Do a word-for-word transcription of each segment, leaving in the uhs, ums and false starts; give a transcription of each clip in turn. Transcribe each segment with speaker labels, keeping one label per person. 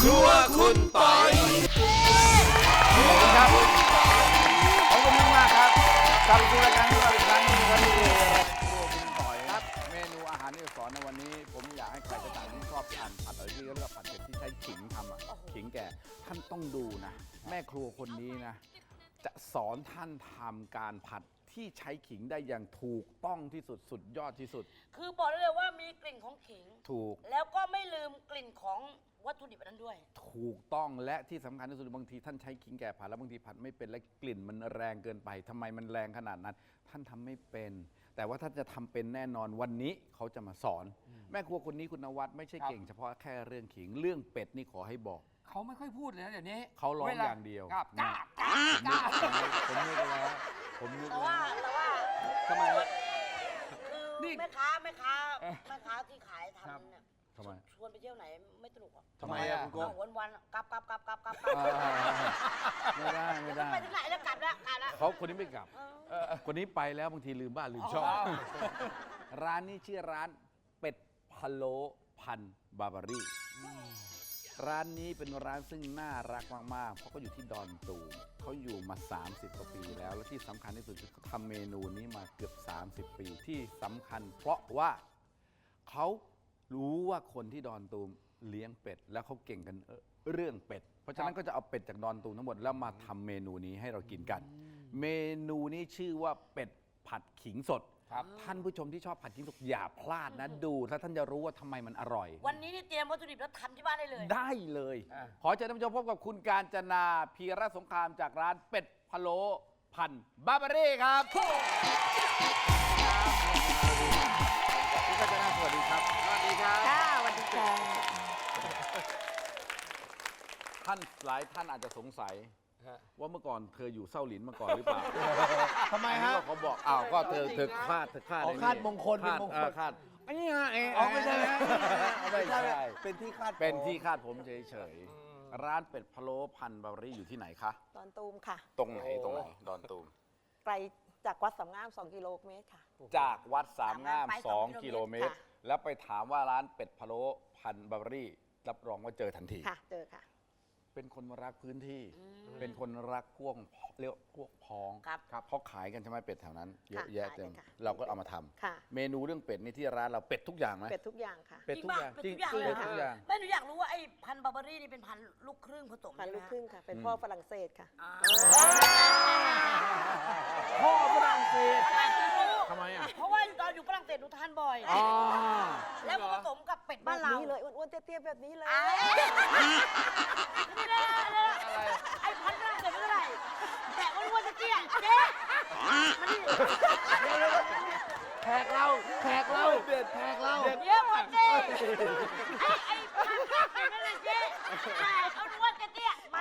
Speaker 1: รัวคุณปอยครับขอบคุณมากมากครับกลับมาสู่รายการของเราอีกครั้งนึงครับนี่คือครัวคุณปอยครับเมนูอาหารที่จะสอนในวันนี้ผมอยากให้ใครก็ตามที่ชอบทานผัดอะไรที่เรียกว่าผัดเผ็ดที่ใช้ขิงทำอ่ะขิงแก่ท่านต้องดูนะแม่ครัวคนนี้นะจะสอนท่านทำการผัดที่ใช้ขิงได้อย่างถูกต้องที่สุดสุดยอดที่สุด
Speaker 2: คือบอกได้เลยว่ามีกลิ่นของขิง
Speaker 1: ถูก
Speaker 2: แล้วก็ไม่ลืมกลิ่นของวัตถุดิบนั้นด้วย
Speaker 1: ถูกต้องและที่สำคัญที่สุดบางทีท่านใช้ขิงแก่ผัดแล้วบางทีผัดไม่เป็นและกลิ่นมันแรงเกินไปทำไมมันแรงขนาดนั้นท่านทำไม่เป็นแต่ว่าท่านจะทำเป็นแน่นอนวันนี้เขาจะมาสอนแม่ครัวคนนี้คุณนวัดไม่ใช่เก่งเฉพาะแค่เรื่องขิงเรื่องเป็ดนี่ขอให้บอก
Speaker 3: เขาไม่ค่อยพูดเลยนะเดี๋ยวนี้
Speaker 1: เขาร้องอย่างเดียว
Speaker 3: กล้ากล้ากล้ากล้า
Speaker 1: ผมนึกแล้วผมนึก
Speaker 2: แต่
Speaker 1: แล้
Speaker 2: ว่าว แต่ว่า
Speaker 1: ทำไมวะ
Speaker 2: คือแม่ค้าแม่ค้าแม่ค้าที่ขายทำเนี่ย
Speaker 1: ทำไม
Speaker 2: ชวนไปเที่ยวไหนไม่สนุกอ่ะ
Speaker 1: ทำไมอ่ะคุณโก้
Speaker 2: วันวันกลับกลับกลับกลับกลับ
Speaker 1: ไม่ได้ไม่ได้
Speaker 2: ไปถึงไหนแล้วกลับแล้วกลับแล้ว
Speaker 1: เขาคนนี้ไม่กลับคนนี้ไปแล้วบางทีลืมบ้านลืมช่องร้านนี้ชื่อร้านเป็ดพะโล้พันบาร์บารี่ร้านนี้เป็นร้านซึ่งน่ารักมากๆเพราะเขาอยู่ที่ดอนตูมเขาอยู่มาสามสิบกว่าปีแล้วและที่สำคัญที่สุดคือเขาทำเมนูนี้มาเกือบสามสิบปีที่สำคัญเพราะว่าเขารู้ว่าคนที่ดอนตูมเลี้ยงเป็ดแล้วเขาเก่งกันเรื่องเป็ดเพราะฉะนั้นก็จะเอาเป็ดจากดอนตูมทั้งหมดแล้วมาทำเมนูนี้ให้เรากินกันเมนูนี้ชื่อว่าเป็ดผัดขิงสดท่านผู้ชมที่ชอบผัดขิงสดอย่าพลาดนะดูถ้าท่านจะรู้ว่าทำไมมันอร่อย
Speaker 2: วันนี้นี่เตรียมวัตถุดิบแล้วทำที่บ้านได้เลย
Speaker 1: ได้เลยขอเชิญท่านผู้ชมพบกับคุณกาญจนาพีระสงครามจากร้านเป็ดพะโล้พันบาร์บารี่ครับคุณกาญจนาสวัสดีครับสวัสดีครับ
Speaker 4: ค่ะสวัสดีค่ะ
Speaker 1: ท่านหลายท่านอาจจะสงสัยว่าเมื่อก่อนเธออยู่เส้าหลินมาก่อนหรือเปล่า
Speaker 3: ทำไมฮะ
Speaker 1: เขาบอกอ้าวก็เธอเธอคาดเธอคาด
Speaker 3: คาดมงคลเป็นมงคล
Speaker 1: คาดอันนี้ไง
Speaker 3: อ๋อไม่ใช่
Speaker 1: ไม่ใช่
Speaker 3: เป็นที่คาด
Speaker 1: เป็นที่คาดผมเฉยๆร้านเป็ดพะโล้พันบาร์บารี่อยู่ที่ไหนคะ
Speaker 4: ดอนตูมค่ะ
Speaker 1: ตรงไหนตรงไหนดอนตูม
Speaker 4: ไกลจากวัดสามงามสองกิโลเมตรค่ะ
Speaker 1: จากวัดสามงามสองกิโลเมตรแล้วไปถามว่าร้านเป็ดพะโล้พันบาร์บารี่รับรองว่าเจอทันที
Speaker 4: ค่ะเจอค่ะ
Speaker 1: เป็นคนรักพื้นที่เป็นคนรักพวกเรียกพวกพ้องครับเพราะขายกันใช่ไหมเป็ดแถวนั้นเยอะแยะเต็มเราก็เอามาทำเมนูเรื่องเป็ดนี่ที่ร้านเราเป็ดทุกอย่างไหม
Speaker 4: เป็ดทุกอย่างค่ะ
Speaker 1: เป็ดทุกอย่าง
Speaker 2: จริงๆเป็ดทุกอย่างแม่หนูอยากรู้ว่าไอ้พันบาร์บารี่นี่เป็นพันลูกครึ่งผสม
Speaker 4: พันลูกครึ่งค่ะเป็นพ่อฝรั่งเศสค่ะ
Speaker 1: พ่อฝรั่งเศส
Speaker 2: ทำไมอ่ะเพราะว่าตอนอยู่ฝรั่งเศสหนูทานบ่อยแล้วผสมกับเป็ดบ้านเรา
Speaker 4: เลยอ้วนๆเตี้ยๆแบบนี้เลย
Speaker 2: ไอ้พันฝรั่งเศสไม่เท่าไหร่แต่อ้วนๆเตี้ยเจ๊
Speaker 3: แขกเราแขกเราเด็ดแขกเรา
Speaker 2: เดี๋ยวเจ๊ไอ้ไอ้พันฝรั่งเศสไม่เลยเจ๊แต่เอาอ้วนเตี้ยมา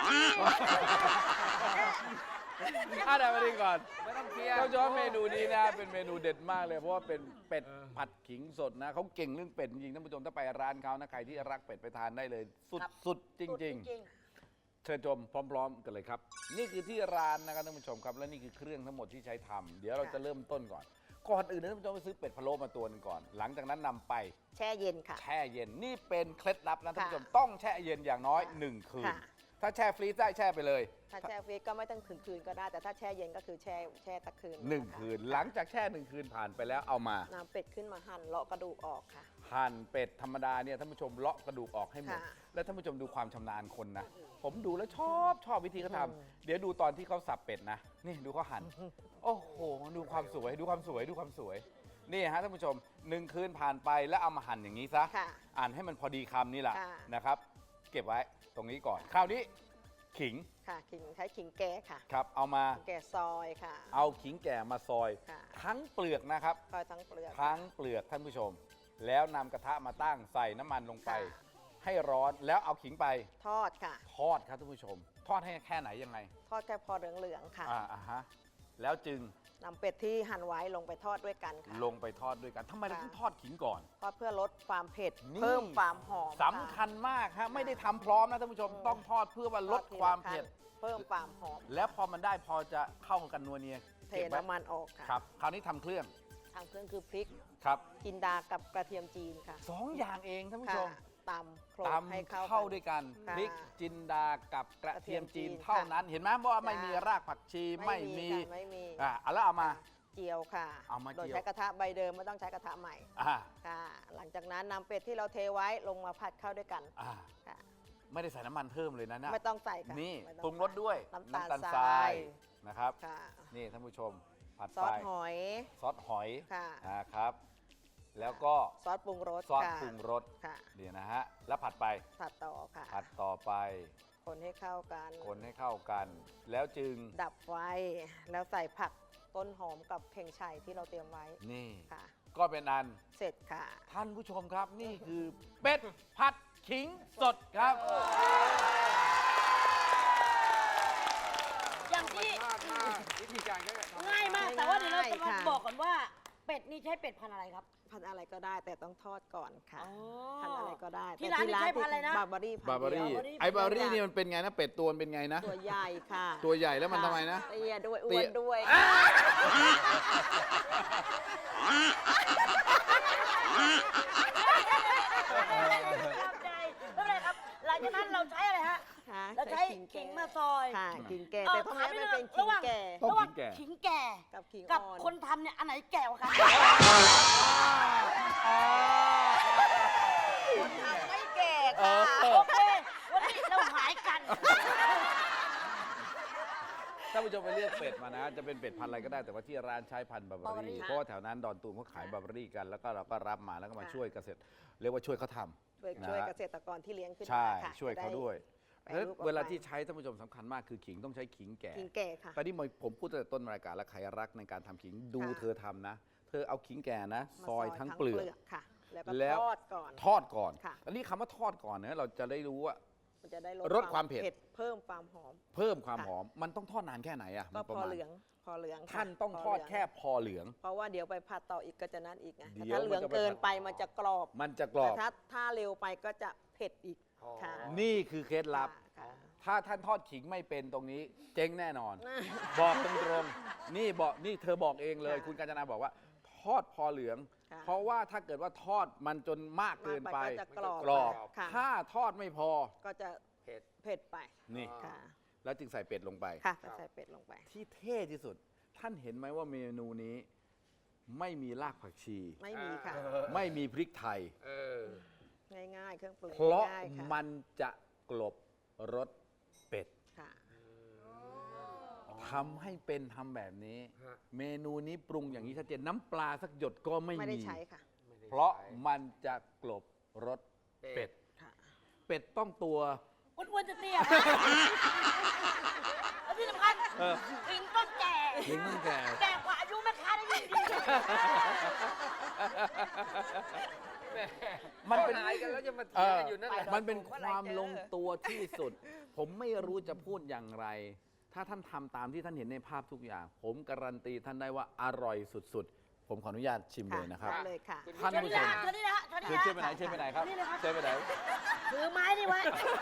Speaker 1: อ่ะเดี๋ยวมาดีก่อนไม่ต้องเคลียร์เขาชอบเมนูนี้นะเป็นเมนูเด็ดมากเลยเพราะว่าเป็นเป็ดผัดขิงสดนะเขาเก่งเรื่องเป็ดจริงๆท่านผู้ชมถ้าไปร้านเขานะใครที่รักเป็ดไปทานได้เลยสุดๆจริงๆเชิญชมพร้อมๆกันเลยครับนี่คือที่ร้านนะครับท่านผู้ชมครับและนี่คือเครื่องทั้งหมดที่ใช้ทำเดี๋ยวเราจะเริ่มต้นก่อนก่อนอื่นท่านผู้ชมไปซื้อเป็ดพะโล้มาตัวนึงก่อนหลังจากนั้นนำไป
Speaker 4: แช่เย็นค่ะ
Speaker 1: แช่เย็นนี่เป็นเคล็ดลับนะท่านผู้ชมต้องแช่เย็นอย่างน้อยหนึ่งคืนถ้าแช่ฟรีซได้แช่ไปเลย
Speaker 4: ถ้าแช่ฟรีซก็ไม่ต้องถึงคืนก็ได้แต่ถ้าแช่เย็นก็คือแช่แช่ตะคืน
Speaker 1: หนึ่งคืนหลังจากแช่หนึ่งคืนผ่านไปแล้วเอามาน
Speaker 4: ำเป็ดขึ้นมาหั่นเลาะกระดูกออกค่ะ
Speaker 1: หั่นเป็ดธรรมดาเนี่ยท่านผู้ชมเลาะกระดูกออกให้หมดแล้วท่านผู้ชมดูความชำนาญคนนะผมดูแล้วชอบชอบวิธีเขาทำเดี๋ยวดูตอนที่เขาสับเป็ดนะนี่ดูเขาหั่นโอ้โหดูความสวยดูความสวยดูความสวยนี่ฮะท่านผู้ชมหนึ่งคืนผ่านไปแล้วเอามาหั่นอย่างนี้ซะอ่านให้มันพอดีคำนี่แหละนะครับเก็บไว้ตรงนี้ก่อนคราวนี้ขิง
Speaker 4: ค่ะขิงใช้ขิงแก่ค่ะ
Speaker 1: ครับเอามา
Speaker 4: แก่ซอยค่ะ
Speaker 1: เอาขิงแก่มาซอยทั้งเปลือกนะครับ
Speaker 4: ซอยทั้งเปลือก
Speaker 1: ทั้งเปลือกท่านผู้ชมแล้วนำกระทะมาตั้งใส่น้ำมันลงไปให้ร้อนแล้วเอาขิงไป
Speaker 4: ทอดค่ะ
Speaker 1: ทอดครับท่านผู้ชมทอดให้แค่ไหนยังไง
Speaker 4: ทอดแค่พอเหลืองๆค่ะ
Speaker 1: อ่าฮะแล้วจึง
Speaker 4: นำเป็ดที่หั่นไว้ลงไปทอดด้วยกันค่ะ
Speaker 1: ลงไปทอดด้วยกันทำไมเราต้องทอดขิงก่อน
Speaker 4: ทอดเพื่อลดความเผ็ดเพิ่มความหอม
Speaker 1: สำคัญมากฮะไม่ได้ทำพร้อมนะท่านผู้ชมต้องทอดเพื่อว่าลดความเผ็ด
Speaker 4: เพิ่มความหอม
Speaker 1: แล้วพอมันได้พอจะเข้ากันนัวเนีย
Speaker 4: เทน้ำมันออกค่ะ
Speaker 1: ครับคราวนี้ทำเครื่อง
Speaker 4: ทำเครื่องคือพริก
Speaker 1: ครับ
Speaker 4: จินดากับกระเทียมจีนค่ะ
Speaker 1: สองอย่างเองท่านผู้ชม
Speaker 4: ตำโขลก
Speaker 1: ตำ
Speaker 4: ให้เข้า
Speaker 1: เข้าด้วยกัน
Speaker 4: ค่ะ
Speaker 1: พริกจินดากับกระเทียมจีน
Speaker 4: กระเทียมจีน
Speaker 1: เท่านั้น เห็นไหมว่าไม่
Speaker 4: จ้ะ
Speaker 1: มีรากผักชีไม่มี
Speaker 4: ค่ะไม่มี
Speaker 1: อ่าเอาแล้วเอามา
Speaker 4: เจียวค่ะ
Speaker 1: เอามา
Speaker 4: โดย
Speaker 1: เจียว
Speaker 4: ใช้กระทะใบเดิมไม่ต้องใช้กระทะใหม่
Speaker 1: อ่า
Speaker 4: ค่ะ หลังจากนั้นนำเป็ดที่เราเทไว้ลงมาผัดเข้าด้วยกัน
Speaker 1: อ่า
Speaker 4: ค่ะ
Speaker 1: ไม่ได้ใส่น้ำมันเพิ่มเลยนะเนี่ย
Speaker 4: ไม่ต้องใส่ค่ะ
Speaker 1: นี่
Speaker 4: ไม่
Speaker 1: ปรุงรสด้วย
Speaker 4: น้ำตาล
Speaker 1: ท
Speaker 4: ทราย
Speaker 1: นะครับ
Speaker 4: ค่ะ
Speaker 1: นี่ท่านผู้ชมผัด
Speaker 4: ซอ
Speaker 1: ไป
Speaker 4: สหอย
Speaker 1: ซอสหอย
Speaker 4: ค่ะ
Speaker 1: นะครับ แล้วก็
Speaker 4: ซอสปรุงรส
Speaker 1: ซอส
Speaker 4: ค่ะ
Speaker 1: ปรุงรส
Speaker 4: ค่ะ
Speaker 1: เดี๋ยวนะฮะแล้วผัดไป
Speaker 4: ผัดต่อค่ะ
Speaker 1: ผัดต่อไป
Speaker 4: คนให้เข้ากัน
Speaker 1: คนให้เข้ากัน แล้วจึง
Speaker 4: ดับไฟแล้วใส่ผักต้นหอมกับเข่งไชัยที่เราเตรียมไว้
Speaker 1: นี่
Speaker 4: ค่ะ
Speaker 1: ก็เป็นอัน
Speaker 4: เสร็จค่ะ
Speaker 1: ท่านผู้ชมครับนี่คือเป็ดผัดขิงสดครับ
Speaker 2: อย่างที่
Speaker 3: วิธีการก็
Speaker 2: ง่ายมาก แต่ว่าเดี๋ยวเราจะมา
Speaker 4: ค่ะ
Speaker 2: บอกก่อนว่า เป็ดนี่ใช้เป็ดพันธุ์อะไรครับ
Speaker 4: พันอะไรก็ได้แต่ต้องทอดก่อนค่ะ
Speaker 2: อ๋อ
Speaker 4: พันอะไรก็ได้
Speaker 2: ที่ร้านนี่ใช้พันธุ์อะไรนะ
Speaker 4: บาร์บารี่
Speaker 1: บาร์บารี่
Speaker 2: บาร์บารี่
Speaker 1: ไอ้บาร์บารี่นี่มันเป็นไงนะ เป็ดตัวมันเป็นไงนะ
Speaker 4: ตัวใหญ่ค่ะ
Speaker 1: ตัวใหญ่แล้วมัน
Speaker 4: ค่
Speaker 1: ทำไมนะ
Speaker 4: เตี้ยด้วย
Speaker 1: เตี้
Speaker 4: อ้วย นด้วย
Speaker 2: ชอบใจไม่เป็นไรครับ หลังจากนั้นเราใช้อะไรฮะ
Speaker 4: ค่ะ
Speaker 2: เราใช้ขิงมาซอย
Speaker 4: ค่ะขิงแก่
Speaker 2: เอ่อ
Speaker 4: แต่พวกนี้
Speaker 2: ถามนิ
Speaker 4: ไม่
Speaker 2: ดนึ
Speaker 4: เป็น
Speaker 2: ง
Speaker 4: ขิ
Speaker 2: ระ
Speaker 4: ง
Speaker 2: หว่าง
Speaker 4: แก่
Speaker 1: ต้อง
Speaker 2: ระหว่าง
Speaker 1: ขิงแก่
Speaker 2: ขิงแก่
Speaker 4: กับขิง
Speaker 2: กับ
Speaker 4: อ่อน
Speaker 2: คนทำเนี่ยอันไหนแก่กว่ากัน
Speaker 4: คนทำไม่แก่
Speaker 1: เอ
Speaker 4: ค่ะ
Speaker 1: อ
Speaker 2: โอเค วันนี้เราหายกัน
Speaker 1: ท่านผู้ชมไปเลือกเป็ดมานะ จะเป็นเป็ดพันธุ์อะไรก็ได้แต่ว่าที่ร้านใช้พันธุ์บาร์บารี่
Speaker 2: Barbary
Speaker 1: เพราะว่าแถวนั้นดอนตูมเขาขายบาร์บารี่กัน แล้วก็เราก็รับมาแล้วก็มา
Speaker 4: ค่ะ
Speaker 1: ช่วยเกษตร เรียกว่าช่วยเขาทำ
Speaker 4: ช่วย
Speaker 1: นะ
Speaker 4: ช่วย
Speaker 1: ฮะ
Speaker 4: เกษตรกรที่เลี้ยงขึ้น
Speaker 1: ใช่
Speaker 4: มาค่ะ
Speaker 1: ช่วยเขาด้วย
Speaker 4: จะได้
Speaker 1: แล้ว
Speaker 4: แปรรูปออกไป
Speaker 1: เวลาที่ใช้ท่านผู้ชมสำคัญมากคือขิงต้องใช้ขิงแก่
Speaker 4: ขิงแก่ค่ะ
Speaker 1: ตอนนี้ผมพูดตั้งแต่ต้นรายการแล้วใครรักในการทำขิงดู
Speaker 4: ค่ะ
Speaker 1: เธอทำนะ เธอเอาขิงแก่นะ
Speaker 4: มา
Speaker 1: ซอยทั้งเปลือก
Speaker 4: ค่ะ แล้วก็
Speaker 1: แล้ว
Speaker 4: ทอดก่อน
Speaker 1: ทอดก่อน
Speaker 4: ค่ะ
Speaker 1: อันนี้คำว่าทอดก่อนเนี่ยเราจะได้รู้ว่า
Speaker 4: มันจะได้
Speaker 1: ลดความเผ็ด
Speaker 4: เพิ่มความหอม
Speaker 1: เพิ่มความ
Speaker 4: ค่ะ
Speaker 1: หอม มันต้องทอดนานแค่ไหนอะ
Speaker 4: ก็
Speaker 1: มันป
Speaker 4: พ
Speaker 1: ระ
Speaker 4: อ
Speaker 1: มาณ
Speaker 4: เหลืองพอเหลืองค่ะ
Speaker 1: ท่านต้องทอด
Speaker 4: พเหลื
Speaker 1: แค่พอเหลือง
Speaker 4: เพราะว่าเดี๋ยวไปผัดต่ออีกก็จะนั่นอีกไง
Speaker 1: เดี๋
Speaker 4: แต่
Speaker 1: ยว
Speaker 4: ถ้าเหลือง
Speaker 1: มันจะไป
Speaker 4: เกิน
Speaker 1: ผัด
Speaker 4: ไปมันจะกรอบ
Speaker 1: มันจะกรอบ
Speaker 4: แต่ถ้าถ้าเร็วไปก็จะเผ็ดอีกค่ะ
Speaker 1: นี่คือเคล็ดลับ
Speaker 4: ค่ะ
Speaker 1: ถ้าท่านทอดขิงไม่เป็นตรงนี้ เจ๊งแน่นอน บอกตรงๆนี่บอกนี่เธอบอกเองเลย
Speaker 4: ค่ะ
Speaker 1: คุณกาญจนาบอกว่า ทอดพอเหลือง
Speaker 4: ค่ะ
Speaker 1: เพราะว่าถ้าเกิดว่าทอดมันจนมากเกินไป
Speaker 4: มากไปก็จะกรอบ
Speaker 1: กรอบ
Speaker 4: ค่ะ
Speaker 1: ถ้าทอดไม่พอ
Speaker 4: ก็จะ
Speaker 3: เผ็ด
Speaker 4: เผ็ดไป
Speaker 1: นี่
Speaker 4: ค่ะ
Speaker 1: แล้วจึงใส่เป็ดลงไป
Speaker 4: ค่ะก็ใส่เป็ดลงไป
Speaker 1: ที่เท่ที่สุด ท่านเห็นไหมว่าเมนูนี้ ไม่มีรากผักชี
Speaker 4: ไม่มีค่ะ
Speaker 1: ไม่มีพริกไทย
Speaker 3: เออ
Speaker 4: ง่ายๆ เครื่องปรุง
Speaker 1: เพราะ
Speaker 4: ง่ายๆค่ะ
Speaker 1: มันจะกลบรสเป็ด
Speaker 4: ค่ะ
Speaker 1: ทำให้เป็นทำแบบนี้
Speaker 3: ฮะ
Speaker 1: เมนูนี้ปรุงอย่างนี้ชัดเจนน้ำปลาสักหยดก็ไม่
Speaker 4: ไม่ได้
Speaker 1: มี
Speaker 4: ใช้ค่ะ
Speaker 1: เพราะมันจะกลบรสเป็ด
Speaker 4: ค่ะ
Speaker 1: เป็ดต้องตัว
Speaker 2: อ้วนๆจะเตี้ยนะแล้วที่สำคัญ
Speaker 1: เออ
Speaker 2: ขิงต้องแก่
Speaker 1: ขิงต้องแก่
Speaker 2: แก่กว่าอายุแม่ค้าได้ยิ่งดี
Speaker 1: มันเป็น
Speaker 3: หายกันแล้วจะมา
Speaker 1: เอ
Speaker 3: เถียง
Speaker 1: อ
Speaker 3: กันอยู่นั่นแหละ
Speaker 1: มันเป็นความลงตัวที่สุด ผมไม่รู้จะพูดอย่างไร ถ้าท่านทำตามที่ท่านเห็นในภาพทุกอย่าง ผมการันตีท่านได้ว่าอร่อยสุดๆ ผมขออนุญาตชิมเลยนะครับ
Speaker 4: ได้เลยค่ะ
Speaker 1: ท่านผู้ชม
Speaker 2: เชิญนี่นะฮะเชิญ
Speaker 1: คือ
Speaker 2: นี่
Speaker 1: เชิญ
Speaker 2: นะ
Speaker 1: ไปไหนเชิญไปไหนครับ
Speaker 2: นี่เลยครับ
Speaker 1: เชิญไปไหน
Speaker 2: ถือไม้นี่ไว้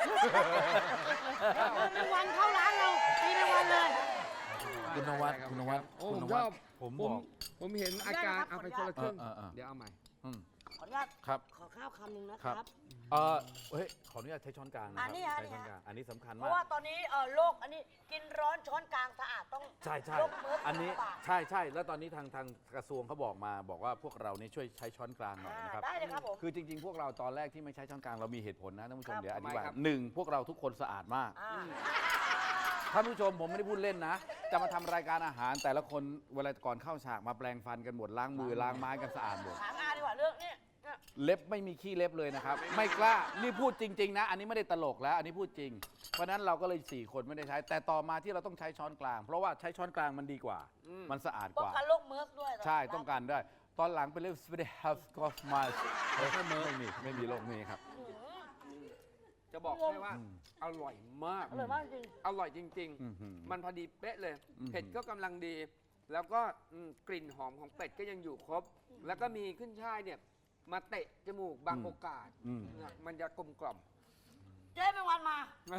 Speaker 2: แมงวันเข้าร้านเราตีแมงวันเลย
Speaker 1: คุณนวัดคุณนวัด
Speaker 3: โอ้
Speaker 1: คุ
Speaker 3: ผ
Speaker 1: ณ
Speaker 3: ม
Speaker 1: น
Speaker 3: ช
Speaker 1: วั
Speaker 3: อ
Speaker 1: ด
Speaker 3: บ
Speaker 1: ผม
Speaker 3: ผ
Speaker 1: บ
Speaker 3: ม
Speaker 1: อก
Speaker 3: ผมเห็นอาการเอาไปคนละครึ่ง
Speaker 1: เออเออเออ
Speaker 3: เดี๋ยวเอาใหม่
Speaker 1: อืม
Speaker 2: ขออนุญาต
Speaker 1: ครับ
Speaker 2: ขอข้าวคำหนึ่งนะค
Speaker 1: ครั
Speaker 2: รับ บ
Speaker 1: เออเฮ้ยขออนุญาตใช้ช้อนกลางนะค
Speaker 2: อั
Speaker 1: รั
Speaker 2: นนี้ฮะ
Speaker 1: ใช้ช้อน
Speaker 2: นี่
Speaker 1: ก
Speaker 2: ฮะ
Speaker 1: ลางอันนี้สำคัญ
Speaker 2: เพ
Speaker 1: มาก
Speaker 2: ราะว่าตอนนี้เอ่อโลกอันนี้กินร้อนช้อนกลางสะอาดต้อง
Speaker 1: ใช่ใช่
Speaker 2: โรคเมิร์ส
Speaker 1: อันนี้
Speaker 2: ลำบาก
Speaker 1: ใช่ใช่แล้วตอนนี้ทางทางกระทรวงเขาบอกมา บอกว่าพวกเรานี่ช่วยใช้ช้อนกลางหน่อยนะครับ
Speaker 2: ได้เลยครับผม
Speaker 1: คือจริง ๆ พวกเราตอนแรกที่ไม่ใช้ช้อนกลางเรามีเหตุผลนะท่านผู้ชม
Speaker 2: ครับ
Speaker 1: เดี๋ยวอธิบาย
Speaker 3: ทำไมครับ
Speaker 1: หนึ่งพวกเราทุกคนสะอาดมาก
Speaker 2: อ่า
Speaker 1: ท่านผู้ชมผมไม่ได้พูดเล่นนะ จะมาทำรายการอาหารแต่ละคนเวลาก่อนเข้าฉากมาแปลงฟันกันหมดล้างมือล้างไม้กันสะอาดหมด
Speaker 2: ถามอาดีกว่าเรื่องนี้เนี่ย
Speaker 1: เล็บไม่มีขี้เล็บเลยนะครับ ไม่กล้า นี่พูดจริง ๆ นะ อันนี้ไม่ได้ตลกแล้ว อันนี้พูดจริง เพราะฉะนั้นเราก็เลยสี่คนไม่ได้ใช้ แต่ต่อมาที่เราต้องใช้ช้อนกลาง เพราะว่าใช้ช้อนกลางมันดีกว่า มันสะอาด
Speaker 2: ป้
Speaker 1: ก
Speaker 2: อง
Speaker 1: ว่า
Speaker 2: กันโรคเมิร์สด้วย
Speaker 1: ใช่ต้องการได้ ตอนหลังเป็นเรื่อง spirit health cost miles ไม่มีไม่มีโรคนี้ครับ
Speaker 3: จะบอกให้ว่า
Speaker 1: อืม
Speaker 3: อร่อยมาก
Speaker 2: อร่อยมากจริง
Speaker 3: อร่อยจริง
Speaker 1: อื้อหือ
Speaker 3: ๆ มันพอดีเป๊ะเลย
Speaker 1: อื้อหือ
Speaker 3: เผ็ดก็กำลังดี แล้วก็อืมกลิ่นหอมของเป็ดก็ยังอยู่ครบ แล้วก็มีขึ้นช่ายเนี่ย มาเตะจมูกบางโอกาส
Speaker 1: อืม
Speaker 3: นะมันจะกลมกล่อม
Speaker 2: เจ๊แมงวันมา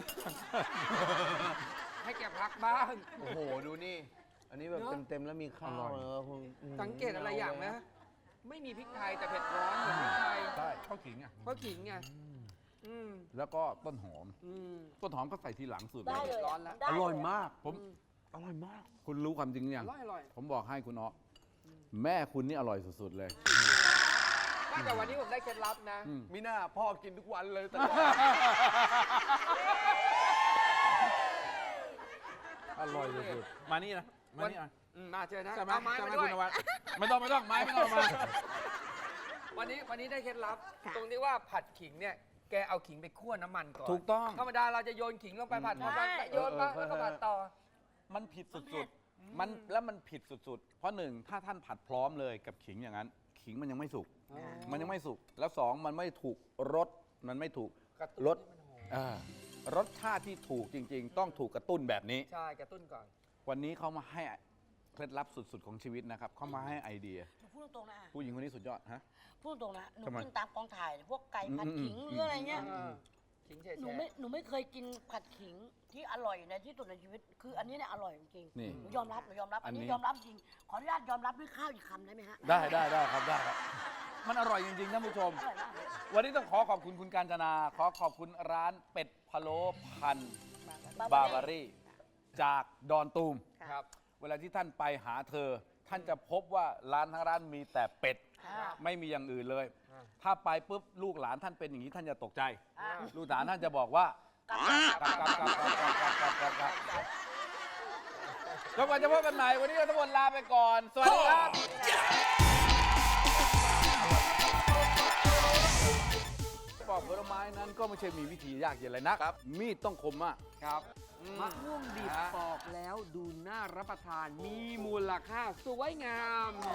Speaker 3: ให้แกพักบ้าง
Speaker 5: โอ้โห ดูนี่ อันนี้แบบ
Speaker 3: เนอะ
Speaker 5: เต็ม ๆ แล้วมีข้าวเนอะคุณอืม
Speaker 3: สังเกตอะไรอย่างไหมไม่มีพริกไทยแต่เผ็ดร้อนเหมือนพริกไทย
Speaker 1: ใช่ข้าวขิงอ่ะ
Speaker 3: เพราะขิงไงอืม
Speaker 1: แล้วก็ต้นหอม
Speaker 3: อืม
Speaker 1: ต้นหอมก็ใส่ทีหลังสุด
Speaker 2: ได้เลย
Speaker 3: ร้อนแล้ว
Speaker 2: ได้
Speaker 1: อ
Speaker 2: เล
Speaker 1: ร่อยมาก ผม
Speaker 3: อืม
Speaker 1: อร่อยมาก คุณรู้ความจริงหรือ
Speaker 3: อ
Speaker 1: ยัง
Speaker 3: ร่อยอร่อย
Speaker 1: ผมบอกให้คุณอ๊อแม่คุณนี่อร่อยสุดๆเลย
Speaker 3: ไม่แต่วันนี้ผมได้เคล็ดลับนะ
Speaker 1: อืม
Speaker 5: มีหน้าพ่อกินทุกวันเลยแต่
Speaker 1: อร่อยสุดๆมานี่นะมานี่นะ
Speaker 3: อืมมาเจอนะ
Speaker 1: ใช่ไหม
Speaker 3: เอาไม้
Speaker 1: ใช่ไหม
Speaker 3: มาด้ว
Speaker 1: คุ
Speaker 3: ย
Speaker 1: ณนวัดไม่ต้องไม่ต้องไม้ไม่ต้องเอามา
Speaker 3: วันนี้วันนี้ได้เคล็ดลับ ตรงที่ว่าผัดขิงเนี่ยแกเอาขิงไปคั่วน้ำมันก่อน
Speaker 1: ถูกต้อง
Speaker 3: ธรรมดาเราจะโยนขิงลงไปผัดผัดผัดโยนมาแล้วก็ผัดต่อ
Speaker 1: มันผิดสุดๆ มันแล้วมันผิดสุดๆ เพราะหนึ่งถ้าท่านผัดพร้อมเลยกับขิงอย่างนั้น ขิงมันยังไม่สุก
Speaker 3: อ๋อ
Speaker 1: มันยังไม่สุก แล้วสองมันไม่ถูกรส มันไม่ถูก
Speaker 3: กระตุ้น
Speaker 1: รส
Speaker 3: ให้มันหอม
Speaker 1: อ่ารสชาติที่ถูกจริง ๆ ต้องถูกกระตุ้นแบบนี้
Speaker 3: ใช่กระตุ้นก่อน
Speaker 1: วันนี้เขามาให้เคล็ดลับสุดๆ ของชีวิตนะครับ เขามาให้ไอเดีย
Speaker 2: หนูพูดตรงๆนะ
Speaker 1: ผู้หญิงคนนี้สุดยอดฮะ
Speaker 2: พูดตรงๆนะหนู
Speaker 1: ทำไม
Speaker 2: กินตามกองถ่ายพวกไก่ผัด
Speaker 1: อืม
Speaker 2: ขิง
Speaker 1: อืม
Speaker 2: หรืออะไรเงี้ย
Speaker 3: อ่าขิงแฉะ
Speaker 2: หนูไม่หนูไม่เคยกินผัดขิงที่อร่อยในที่สุดในชีวิต คืออันนี้เนี่ยอร่อยจริงๆ
Speaker 1: นี่
Speaker 2: หนูยอมรับหนูยอมรับ
Speaker 1: อั
Speaker 2: อั
Speaker 1: น
Speaker 2: น
Speaker 1: นี้
Speaker 2: นี้ยอมรับจริง ขออนุญาตยอมรับด้วยข้าวอีกคำได้ไหมฮะ
Speaker 1: ได้ได้ได้ครับได้ครับ มันอร่อยจริงๆท่านผู้ชม
Speaker 2: อร่อยมากเลย
Speaker 1: วันนี้ต้องขอขอบคุณคุณกาญจนา ขอขอบคุณร้านเป็ดพะโล้พันบาบารี่จากดอนตูม
Speaker 3: ครับ
Speaker 1: เวลาที่ท่านไปหาเธอ ท่านจะพบว่าร้านทั้งร้านมีแต่เป็ด
Speaker 2: อ่า
Speaker 1: ไม่มีอย่างอื่นเลย
Speaker 3: อ่า
Speaker 1: ถ้าไปปุ๊บลูกหลานท่านเป็นอย่างนี้ท่านจะตกใจ
Speaker 2: อ่า
Speaker 1: ลูกหลานท่านจะบอกว่ากลับกลับกลับกลับกลับกลับกลับกลับกลับจนกว่าจะพบกันใหม่วันนี้เราทั้งหมดลาไปก่อน สวัสดีครับปอกผลไม้นั้นก็ไม่ใช่มีวิธียากเย็นอะไรนักมีดต้องคมมาก
Speaker 3: ครับมะม่วงดิบปอกแล้วดูน่ารับประทาน มีมูลค่าสวยงาม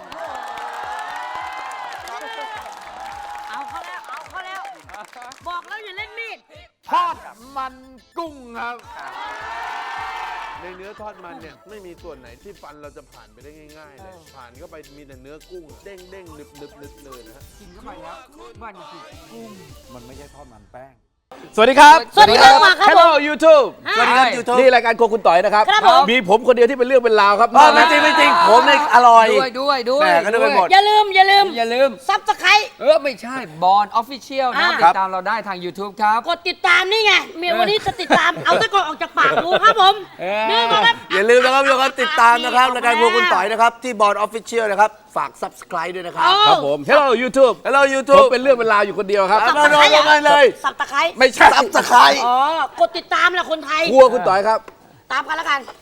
Speaker 2: เอาเขาแล้วเอาเขาแล้ว บอกแล้วอย่าเล่นมีด
Speaker 1: ทอดมันกุ้งครับ
Speaker 5: ในเนื้อทอดมันเนี่ยไม่มีส่วนไหนที่ฟันเราจะผ่านไปได้ง่ายๆเลย ผ่านเข้าไปมีแต่เนื้อกุ้งอะเด้งเด้งๆหนึบหนึบหนึบเลยนะฮะ
Speaker 3: กินเข้าไปแล้วมันคือกุ้ง
Speaker 1: มันไม่ใช่ทอดมันแป้ง สวัสดีครับ
Speaker 2: สวัสดีครับมาครับ
Speaker 1: Hello YouTube
Speaker 2: สวัสดีครับ
Speaker 1: YouTube นี่รายการโครัวคุณต่อยนะครับ
Speaker 2: ครับผม
Speaker 1: มีผมคนเดียวที่เป็นเรื่องเป็นราวครับ
Speaker 5: ไม่จริงไม่จริงผมเนี่ยอร่อย
Speaker 3: ด้วยด้วยด้วย
Speaker 5: แม่ก็นึกไปหมด
Speaker 2: อย่าลืมอย่าลืม
Speaker 3: อย่าลืม
Speaker 2: ซับสไคร
Speaker 3: เออ ไม่ใช่บอลออฟฟิเชียลนะ
Speaker 2: อ่า
Speaker 3: ติดตามเราได้ทาง YouTube ครับ
Speaker 2: กดติดตามนี่ไงเมียวันนี้จะติดตาม เอาตะกอนออกจากปากกูครับผม
Speaker 3: เออ
Speaker 2: นี่ก็ครับ
Speaker 5: อย่าลืมนะครับทุกคนติดตามนะครับรายการพวกคุณต่อยนะครับ ที่บอร์ดออฟฟิเชียลนะครับ ฝาก subscribe ด้วยนะครับ
Speaker 1: ครับผม Hello YouTube
Speaker 5: Hello
Speaker 1: ผม
Speaker 5: YouTube
Speaker 1: เป็นเรื่องเป็นราวอยู่คนเดียวครับ
Speaker 5: มาโดนกันเลย
Speaker 2: สับตะไคร้
Speaker 1: ไม่ใช่
Speaker 5: subscribe
Speaker 2: อ๋อกดติดตามแหละคนไทย
Speaker 1: ครัวคุณต่อยครับ
Speaker 2: ตามกันแล้วกัน